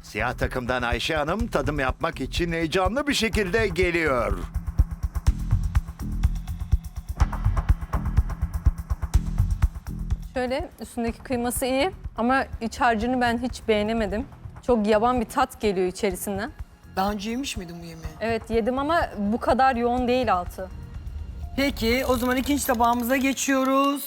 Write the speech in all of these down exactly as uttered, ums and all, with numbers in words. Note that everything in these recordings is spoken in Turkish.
Siyah takımdan Ayşe Hanım tadım yapmak için heyecanlı bir şekilde geliyor. Şöyle üstündeki kıyması iyi ama iç harcını ben hiç beğenemedim. Çok yaban bir tat geliyor içerisinden. Daha önce yemiş miydin bu yemeği? Evet yedim ama bu kadar yoğun değil altı. Peki o zaman ikinci tabağımıza geçiyoruz.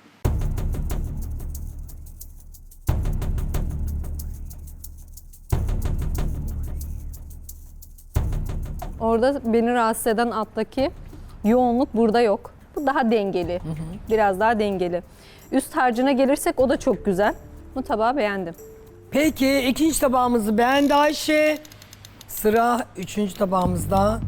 Orada beni rahatsız eden alttaki yoğunluk burada yok. Bu daha dengeli. Biraz daha dengeli. Üst harcına gelirsek o da çok güzel. Bu tabağı beğendim. Peki ikinci tabağımızı beğendi Ayşe. Sıra üçüncü tabağımızda.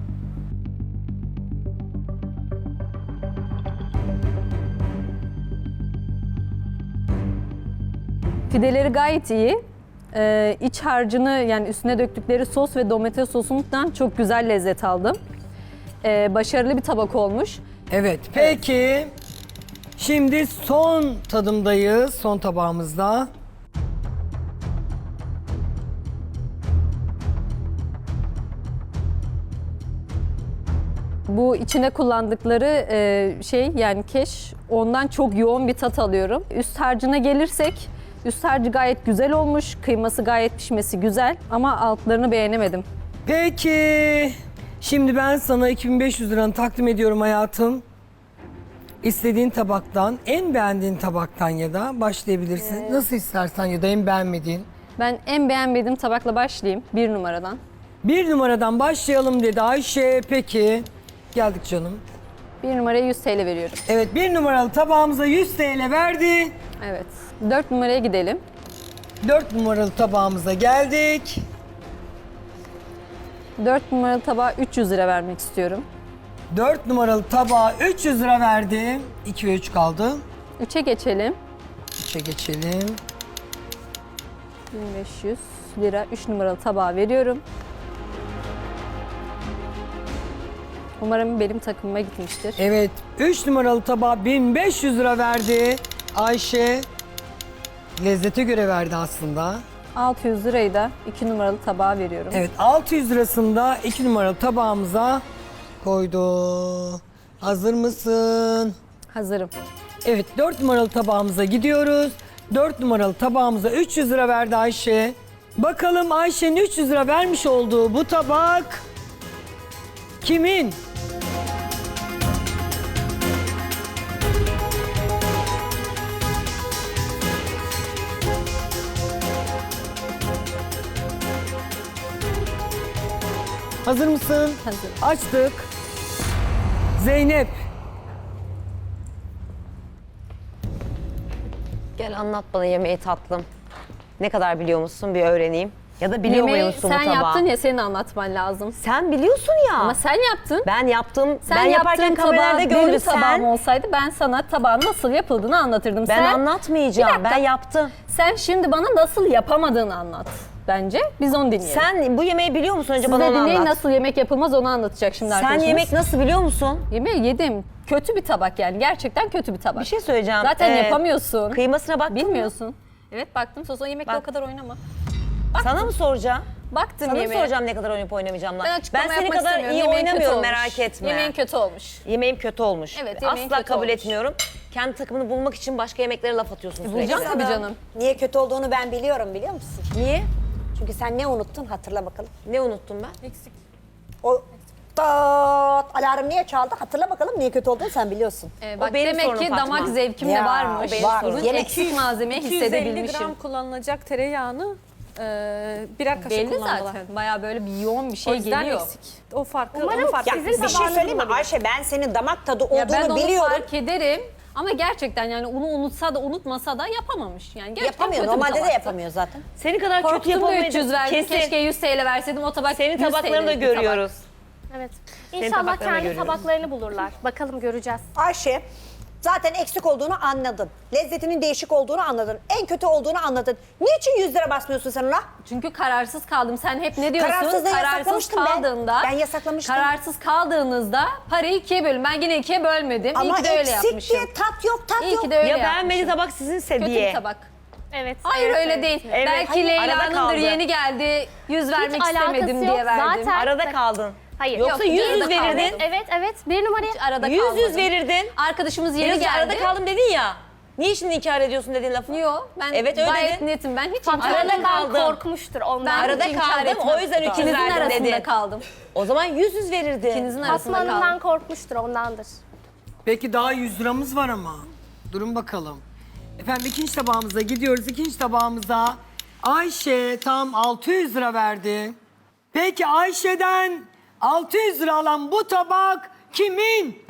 Pideleri gayet iyi. Ee, iç harcını yani üstüne döktükleri sos ve domates sosundan çok güzel lezzet aldım. Ee, başarılı bir tabak olmuş. Evet peki. Şimdi son tadımdayız. Son tabağımızda. Bu içine kullandıkları e, şey yani keş ondan çok yoğun bir tat alıyorum. Üst harcına gelirsek üst harcı gayet güzel olmuş. Kıyması gayet pişmesi güzel ama altlarını beğenemedim. Peki. Şimdi ben sana iki bin beş yüz liranı takdim ediyorum hayatım. İstediğin tabaktan, en beğendiğin tabaktan ya da başlayabilirsin. Nasıl istersen ya da en beğenmediğin. Ben en beğenmediğim tabakla başlayayım bir numaradan. Bir numaradan başlayalım dedi Ayşe. Peki. Geldik canım. Bir numaraya yüz T L veriyorum. Evet bir numaralı tabağımıza yüz T L verdi. Evet. Dört numaraya gidelim. Dört numaralı tabağımıza geldik. Dört numaralı tabağa üç yüz lira vermek istiyorum. Dört numaralı tabağa üç yüz lira verdi. iki ve üç kaldı. Üçe geçelim. üçe geçelim. bin beş yüz lira üç numaralı tabağa veriyorum. Umarım benim takımıma gitmiştir. Evet üç numaralı tabağa bin beş yüz lira verdi. Ayşe lezzete göre verdi aslında. altı yüz lirayı da iki numaralı tabağa veriyorum. Evet altı yüz lirasında iki numaralı tabağımıza koydu. Hazır mısın? Hazırım. Evet dört numaralı tabağımıza gidiyoruz. dört numaralı tabağımıza üç yüz lira verdi Ayşe. Bakalım Ayşe'nin üç yüz lira vermiş olduğu bu tabak kimin? Hazır mısın? Hazır. Açtık. Zeynep. Gel anlat bana yemeği tatlım. Ne kadar biliyor musun bir öğreneyim. Ya da biliyor Yemeği musun bu sen tabağı? yaptın ya senin anlatman lazım. Sen biliyorsun ya. Ama sen yaptın. Ben yaptım. Sen ben yaparken yaptığın kameralarda tabağı gördü benim sen. tabağım olsaydı ben sana tabağın nasıl yapıldığını anlatırdım. Ben sen, anlatmayacağım. Bir dakika. Ben yaptım. Sen şimdi bana nasıl yapamadığını anlat bence. Biz onu dinleyelim. Sen bu yemeği biliyor musun? Önce Siz bana de onu dinleyin anlat. nasıl yemek yapılmaz onu anlatacak şimdi Sen arkadaşımız. yemek nasıl biliyor musun? Yemeği yedim. Kötü bir tabak yani. Gerçekten kötü bir tabak. Bir şey söyleyeceğim. Zaten Ee, yapamıyorsun. Kıymasına baktın mı? Bilmiyorsun. Evet baktım. Sosa yemekle Bak. o kadar oynama. Sana mı soracağım? Baktım Sana mı yemeğe. soracağım ne kadar oynayıp oynamayacağımla? Ben açıklama Ben seni yapmak kadar istemiyorum. iyi Yemeğin kötü oynamıyorum olmuş. merak etme. Yemeğin kötü olmuş. Yemeğim kötü olmuş. Evet, yemeğin Asla kötü kabul olmuş. etmiyorum. Kendi takımını bulmak için başka yemeklere laf atıyorsun sürekli. Bulacağım tabii canım. Niye kötü olduğunu ben biliyorum biliyor musun? Niye? Çünkü sen ne unuttun hatırla bakalım. Ne unuttum ben? O tat alarm niye çaldı hatırla bakalım niye kötü olduğunu sen biliyorsun. Ee, bak benim demek sorunum ki Fatma. damak zevkim de Ya, varmış. benim var. Bugün Yine eksik malzemeyi iki yüz elli hissedebilmişim. gram kullanılacak tereyağını e, birer kaşık Belli kullandılar. zaten. Bayağı böyle bir yoğun bir şey O yüzden geliyor. eksik. O farkı, Umarım onun farkı. ya, Sizin bir şey tabağınız söyleyeyim mi olabilir. Ayşe ben senin damak tadı olduğunu Ya ben onu biliyorum. fark ederim. Ama gerçekten yani onu unutsa da unutmasa da yapamamış. Yani gerçekten Yapamıyor kötü bir normalde de tabaktı. yapamıyor zaten. Seni kadar kötü Korktum da üç yüz yapamayacağım. verdim. Kesin. Keşke yüz T L verseydim o tabak Senin yüz T L'lik tabaklarını da bir tabak. görüyoruz. Evet. Senin İnşallah tabaklarını kendi görüyoruz. tabaklarını bulurlar. Bakalım göreceğiz. Ayşe zaten eksik olduğunu anladın. Lezzetinin değişik olduğunu anladın. En kötü olduğunu anladın. Niçin yüz lira basmıyorsun sen ona? Çünkü kararsız kaldım. Sen hep ne diyorsun? Kararsızlığı Kararsız yasaklamıştım ben. kaldığında. Ben yasaklamıştım. Kararsız kaldığınızda parayı ikiye bölün. Ben yine ikiye bölmedim. İyi Ama ki de öyle eksik yapmışım. diye tat yok tat İyi yok. ki de öyle Ya yapmışım. beğenmediği tabak sizin Kötü diye. bir tabak. Evet. Hayır evet, öyle evet. değil. Evet, Belki hayır, arada Leyla'nındır kaldı. yeni geldi. Yüz vermek alakası istemedim yok. diye verdim. Zaten- Arada kaldın. Hayır. Yoksa Yok, yüz arada yüz kaldım. verirdin. Evet evet. Bir numaraya. Hiç arada Yüz kalmadım. yüz verirdin. Arkadaşımız yeni Biraz geldi. arada kaldım dedin ya. Niye şimdi inkar ediyorsun dediğin lafı? Yok ben Evet, öyle gayet dedin. netim. Ben hiç Fatma inkar Arada Hanım'dan etmedim. kaldım. korkmuştur ondan. Ben Arada hiç inkar kaldım, etmem. o yüzden üç yüz İkinizin verdim arasında dedin. kaldım. O zaman yüz yüz verirdin. İkinizin Fatma arasında Hanım'dan kaldım. korkmuştur ondandır. Peki daha yüz liramız var ama. Durun bakalım. Efendim ikinci tabağımıza gidiyoruz. İkinci tabağımıza Ayşe tam altı yüz lira verdi. Peki Ayşe'den altı yüz lira alan bu tabak kimin?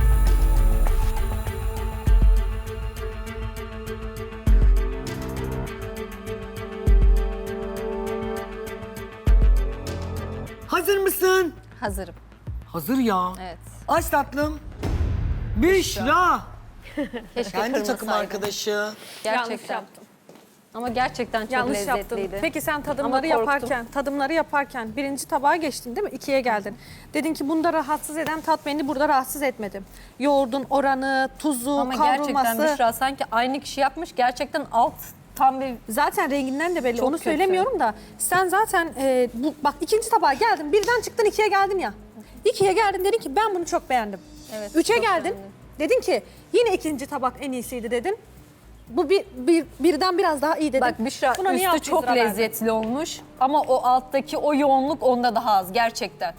Hazır mısın? Hazırım. Hazır ya. Evet. Aç tatlım. Büşra. Keşke Kendi takım kırmasaydım. arkadaşı. Yanlış Gerçekten. yaptım. Ama gerçekten çok Yanlış lezzetliydi. yaptın. Peki sen Ama tadımları korktum. yaparken, tadımları yaparken birinci tabağa geçtin değil mi? İkiye geldin. Dedin ki bunda rahatsız eden tat beni burada rahatsız etmedi. Yoğurdun oranı, tuzu, Ama kavrulması. gerçekten Büşra sanki aynı kişi yapmış. Gerçekten alt tam bir Zaten renginden de belli. Çok Onu kötü. söylemiyorum da sen zaten e, bu, bak ikinci tabağa geldin. Birden çıktın ikiye geldin ya. İkiye geldin dedin ki ben bunu çok beğendim. Evet, Üçe çok geldin. beğendim. Dedin ki yine ikinci tabak en iyisiydi dedin. Bu bir, bir birden biraz daha iyi dedin. Bak Büşra Buna niye üstü altı yüz çok lira verdin? lezzetli olmuş ama o alttaki o yoğunluk onda daha az gerçekten.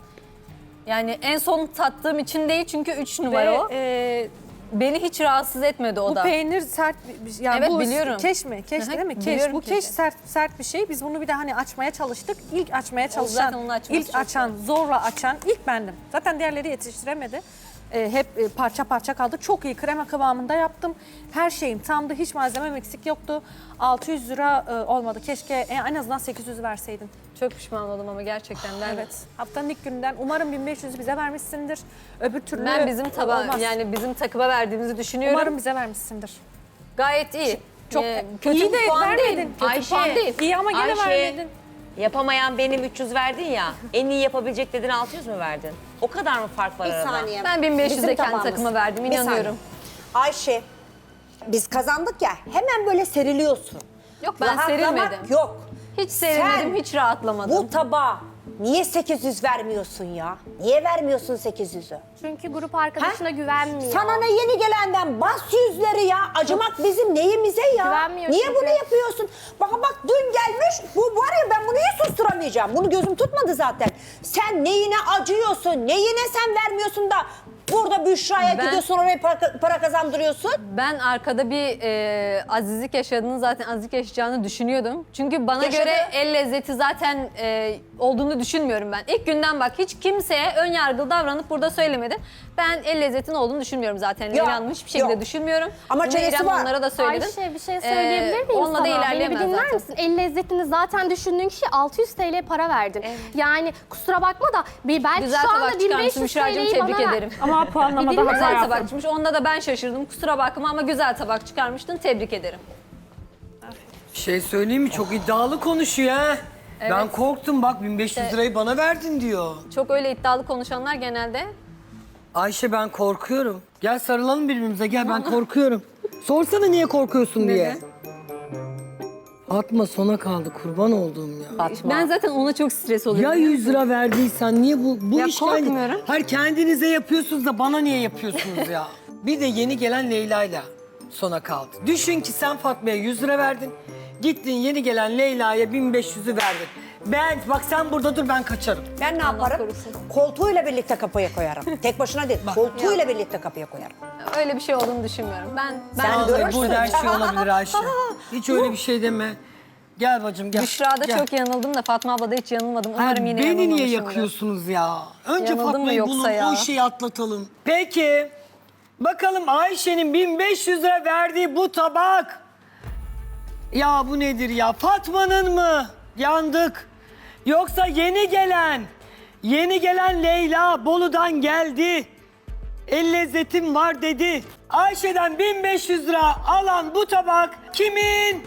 Yani en son tattığım için değil çünkü üç numara Ve, o. e, Beni hiç rahatsız etmedi o bu da. peynir sert bir şey. Yani Evet, bu biliyorum. keş mi? Keş Hı hı, değil mi? Keş. biliyorum Bu keşi. keş sert sert bir şey. Biz bunu bir de hani açmaya çalıştık. İlk açmaya çalışan, zaten onu açması ilk çok açan, zorla açan ilk bendim. Zaten diğerleri yetiştiremedi. Ee, hep e, parça parça kaldı. Çok iyi krema kıvamında yaptım. Her şeyim tamdı. Hiç malzemem eksik yoktu. altı yüz lira e, olmadı. Keşke e, en azından sekiz yüz verseydin. Çok pişman oldum ama gerçekten. Ben, Evet. Haftanın ilk gününden umarım bin beş yüzü bize vermişsindir. Öbür türlü Ben bizim taba olmaz. yani bizim takıma verdiğimizi düşünüyorum. Umarım bize vermişsindir. Gayet iyi. Çok Ee, kötü iyi bir de puan vermedin. değil. Kötü Ayşe, puan değil. İyi ama gene Ayşe, vermedin. Yapamayan benim üç yüz verdin ya. En iyi yapabilecek dedin altı yüz mü verdin? O kadar mı fark var Bir arada? saniye. Ben bin beş yüze Bizim kendi tabağımız. takıma verdim, Bir inanıyorum. saniye. Ayşe, biz kazandık ya hemen böyle seriliyorsun. Yok ben Rahatlamak serilmedim. yok. Hiç serilmedim, Sen hiç rahatlamadım. Bu tabağa niye sekiz yüz vermiyorsun ya? Niye vermiyorsun sekiz yüzü? Çünkü grup arkadaşına güvenmiyor. Sana ne yeni gelenden bas yüzleri ya. Acımak bizim neyimize ya? Güvenmiyor Niye çünkü. bunu yapıyorsun? Bak bak dün gelmiş bu var ya ben bunu hiç susturamayacağım. Bunu gözüm tutmadı zaten. Sen neyine acıyorsun? Neyine sen vermiyorsun da burada Büşra'ya Ben- gidiyorsun oraya para, para kazandırıyorsun? Ben arkada bir e, azizlik yaşadığını zaten azizlik yaşayacağını düşünüyordum. Çünkü bana Yaşadı. göre el lezzeti zaten e, olduğunu düşünmüyorum ben. İlk günden bak hiç kimseye ön yargılı davranıp burada söylemedi. Ben el lezzetinin olduğunu düşünmüyorum zaten. Leyla Hanım hiçbir şekilde yok. düşünmüyorum. Ama Bunu çenesi İrem var. onlara da söyledim. Ayşe bir şey söyleyebilir Ee, miyim onunla sana? da Beni bir ilerleyemez dinler zaten. misin? El lezzetini zaten düşündüğün kişi altı yüz TL para verdin. Yani kusura bakma da bir belki Güzel şu anda tabak bin beş çıkarmışsın yüz Büşra'cığım, TL'yi bana tebrik ver. ederim. Ama Bir puanlamada dinle. hata Güzel yaptın. tabak çıkmış. Onda da ben şaşırdım. Kusura bakma ama güzel tabak çıkarmıştın. Tebrik ederim. Bir şey söyleyeyim mi? Çok iddialı konuşuyor ha. Ben korktum bak bin beş yüz lirayı bana verdin diyor. Çok öyle iddialı konuşanlar genelde Ayşe ben korkuyorum. Gel sarılalım birbirimize gel ben korkuyorum. Sorsana niye korkuyorsun diye. Fatma sona kaldı kurban olduğum ya. ben zaten ona çok stres oluyorum. Ya yüz lira verdiysen niye bu bu Ya iş yani? korkmuyorum. Hayır kendinize yapıyorsunuz da bana niye yapıyorsunuz ya? Bir de yeni gelen Leyla'yla sona kaldı. Düşün ki sen Fatma'ya yüz lira verdin. Gittin yeni gelen Leyla'ya bin beş yüzü verdin. Ben bak sen burada dur ben kaçarım. Ben ne Allah yaparım? korusun. Koltuğuyla birlikte kapıya koyarım. Tek başına değil, koltuğuyla birlikte kapıya koyarım. Öyle bir şey olduğunu düşünmüyorum. Ben ben Sen Vallahi görürsün. burada her şey olabilir Ayşe. Hiç öyle bir şey deme. Gel bacım gel. Büşra'da Gel. çok yanıldım da Fatma ablada hiç yanılmadım. Ha, Umarım yine beni niye yanılmamışımdır. yakıyorsunuz ya? Önce Yanıldım mı Fatma'yı yoksa bulun, ya? o şeyi atlatalım. Peki, bakalım Ayşe'nin bin beş yüz lira verdiği bu tabak. Ya bu nedir ya? Fatma'nın mı? Yandık. Yoksa yeni gelen, yeni gelen Leyla Bolu'dan geldi. El lezzetim var dedi. Ayşe'den bin beş yüz lira alan bu tabak kimin?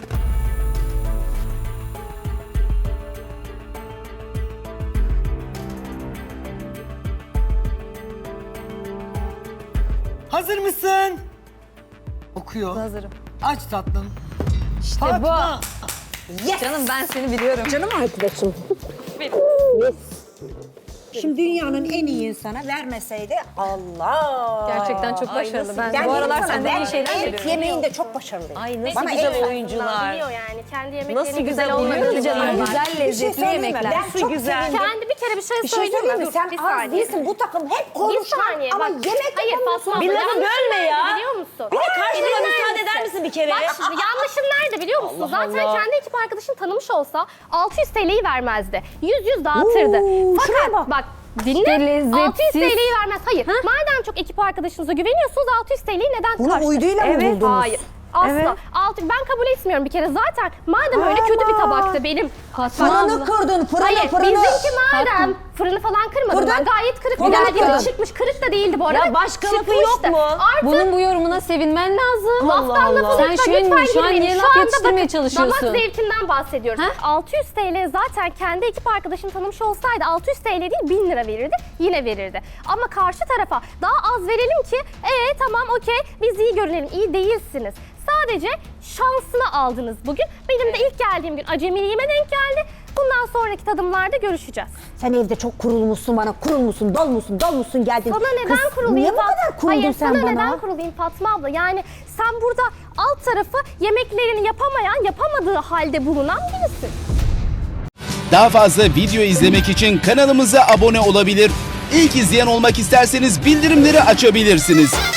Hazır mısın? Okuyor. Hazırım. Aç tatlım. Fatma. Yes. Canım ben seni biliyorum. Canım arkadaşım. Yes. Şimdi dünyanın en iyi insana vermeseydi Allah. Gerçekten çok başarılı. Ben, Ben bu aralar sana senden iyi ben şeyler et görüyorum. yemeğinde çok başarılıyım. Ay nasıl Bana güzel el- oyuncular. Biliyor yani. Kendi yemeklerinin Nasıl güzel güzel oynuyor olmadığını canım. biliyorlar. Güzel, Bir şey lezzetli söyleyeyim mi? yemekler. Ben çok güzel. sevindim. Kendi bir kere bir şey Bir şey söyleyeyim söyleyeyim mi? mi? Dur, Sen bir az saniye. değilsin. Bu takım hep Bir konuşma. saniye Ama bak. yemek Hayır yapamıyorsun. Fatma abla. Bir lafı yanlışın bölme ya. nerede Biliyor musun? Bir de karşılığa Dinler müsaade misin? eder misin bir kere? Bak şimdi yanlışın nerede biliyor musun? Allah Zaten Allah. kendi ekip arkadaşın tanımış olsa altı yüz T L'yi vermezdi. yüz yüz dağıtırdı. Oo, şuraya Fakat bak. bak dinle İşte lezzetsiz. altı yüz T L'yi vermez. Hayır. Madem çok ekip arkadaşınıza güveniyorsunuz altı yüz T L'yi neden Bunu kaçtı? uyduyla mı Evet. buldunuz? Hayır. Asla. Evet. Altı, ben kabul etmiyorum bir kere. Zaten madem öyle kötü bir tabaktı benim. Fırını kırdın, fırını Hayır, fırını. bizimki madem fırını falan kırmadım Kırdın. ben. Gayet kırık bir Fırını geldiğinde kırdın. çıkmış. Kırık da değildi bu arada. Ya başka lafı Çıkmıştı. yok mu? Artı Bunun bu yorumuna sevinmen lazım. laftan lafa Sen lütfen şu an, lütfen şu an girmeyin. niye Şu laf anda yetiştirmeye bakın, çalışıyorsun? damak zevkinden bahsediyoruz. Ha? altı yüz T L zaten kendi ekip arkadaşım tanımış olsaydı altı yüz T L değil bin lira verirdi. Yine verirdi. Ama karşı tarafa daha az verelim ki ee tamam okey biz iyi görünelim. İyi değilsiniz. Sadece şansını aldınız bugün. Benim de ilk geldiğim gün acemiliğime denk geldi. Bundan sonraki tadımlarda görüşeceğiz. Sen evde çok kurulmuşsun bana. Kurulmuşsun, dolmuşsun, dolmuşsun geldin. Sana neden Kız, kurulayım? Niye bu Fat- kadar kuruldun Hayır, sen sana bana? neden kurulayım Fatma abla? Yani sen burada alt tarafı yemeklerini yapamayan, yapamadığı halde bulunan birisin. Daha fazla video izlemek için kanalımıza abone olabilir. İlk izleyen olmak isterseniz bildirimleri açabilirsiniz.